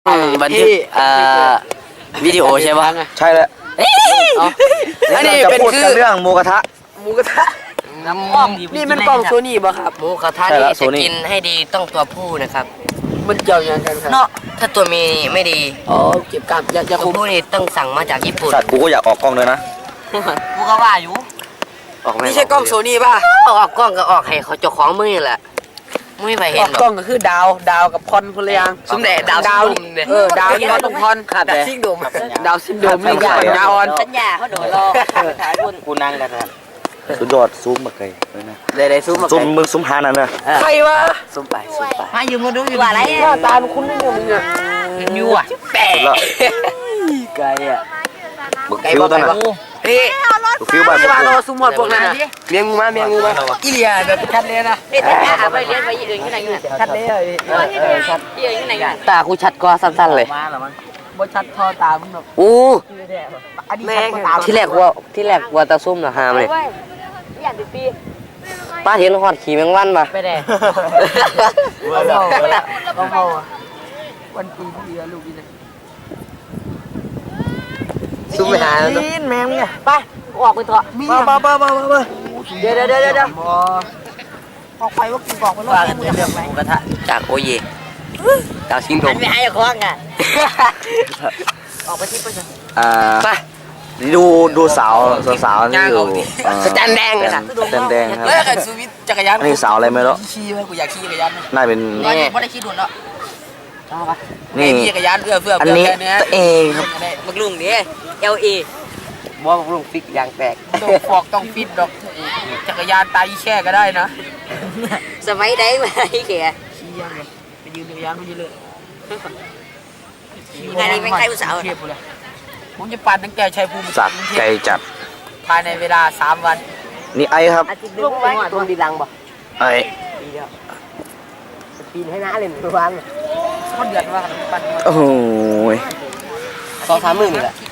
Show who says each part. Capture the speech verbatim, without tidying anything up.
Speaker 1: บันทึกอ่าวิดีโอใช่ปะ
Speaker 2: ใช่แล้ว
Speaker 1: อันนี้เป็นคือ
Speaker 2: เรื่องหมูกระทะ
Speaker 1: หมูกระทะน้ำอ้อมนี่มันกล่องโซนี่ป่ะครับหมูกระทะนี่จะกินให้ดีต้องตัวผู้นะครับมันเกี่ยวยังกันครับเนาะถ้าตัวมีไม่ดีอ๋อเก็บกลับอย่าอย่าตัวผู้นี่ต้องสั่งมาจากญี่ปุ่น
Speaker 2: สัตว์กูก็อยากออกกล้องเลยนะ
Speaker 1: กูก็ว่าอยู่นี่ใช่กล้องโซนี่ป่ะออกกล้องก็ออกให้เขาเจ้าของมือแหละไม่ไปเห็นหรอกกล้องก็คือดาวดาวกับพรพลยังสมเด็จดาวดาวเออดาวที่เขาต้องพรขาดดาวซิงโดมดาวซิงโดมไม่ใช่ดาวออนสัญญาเขาโดนรอถ่ายบนกูนั่งกันนะ
Speaker 2: สุดยอดซูมมาไกลเลยนะ
Speaker 1: ได้ได้ซูมมา
Speaker 2: ซูมมึงซูมหานั่นนะ
Speaker 1: ใครวะซูมไปซูมไปมาอยู่มาดูอยู่อะไรหน้าตาคุณไม่เนี่ยมึงอ่ะอยู่อ่ะแปะไกลอ่ะ
Speaker 2: ไกลบ้านไหน
Speaker 1: นี่
Speaker 2: ฟิวบ้าน
Speaker 1: ที่บ้านเราซูมหมดพวกนั้นเมียงูมาเมียงูมาอีเลียแบบชัดเลยนะเอ๊ะแต่หาไปเลี้ยงไปอื่นที่ไหนเนี่ยชัดเลยชัดที่อื่นที่ไหนตากูชัดกว่าสั้นๆเลยบ่ชัดทอตามึงแบบอู้แม่ที่แรกว่าที่แรกว่าตาซุ่มนะฮามเลยป้าเห็นหอดขี่แมงวันมาไปแดงเอาเมาเอาเมาวันปีที่แล้วลูกนี่ซุ่มไปหาแล้วแมงเนี่ยไปออกไปเถอะมามามามามาเดี๋ยวเดี๋ยวเดี๋ยวเดี๋ยวออกไปว่ากินกล่องไปรอดเรื่องไหมกระทะจากโอเย่ดาวชิงโดมไม่ให้คล้องอ่ะออกไปที่ไปสิอ่าไป
Speaker 2: ดูดูสาวสาวนี่อยู่
Speaker 1: สแตนแดงนะ
Speaker 2: สแตนแดงครับ
Speaker 1: เลิกกันซูวิทจักรยาน
Speaker 2: นี่สาวอะไรไม่รู้
Speaker 1: ขี่ไหมกูอยากขี่จักรยาน
Speaker 2: น่าเป็น
Speaker 1: นี่ไม่ได้ขี่ดุนแล้วนี่จักรยานเอื้อเฟื้ออั
Speaker 2: นนี้ตัวเองครับ
Speaker 1: มักลุงนี่เอลเอบ่มักลุงฟิกยางแตกต้องฟอกต้องฟิตดอกจักรยานตายแช่ก็ได้นะสมัยใดมาไอ้แก่ขี่ยังเลยไปยืนจักรยานไม่ยืนเลยงานนี้ไม่ใกล้ผู้สาวผมจะปั่นตั้งแต่ชัยภูมิ
Speaker 2: จัดไกลจัด
Speaker 1: ภายในเวลาสามวัน
Speaker 2: นี่ไอครับ
Speaker 1: ลูกไว้ตัวดีลังบ่
Speaker 2: ไอ
Speaker 1: ปีนให้น้าเลยทุกวันมันเดือดว่าปั่น
Speaker 2: โอ้โห
Speaker 1: สองสามหมื่นนี่แหละ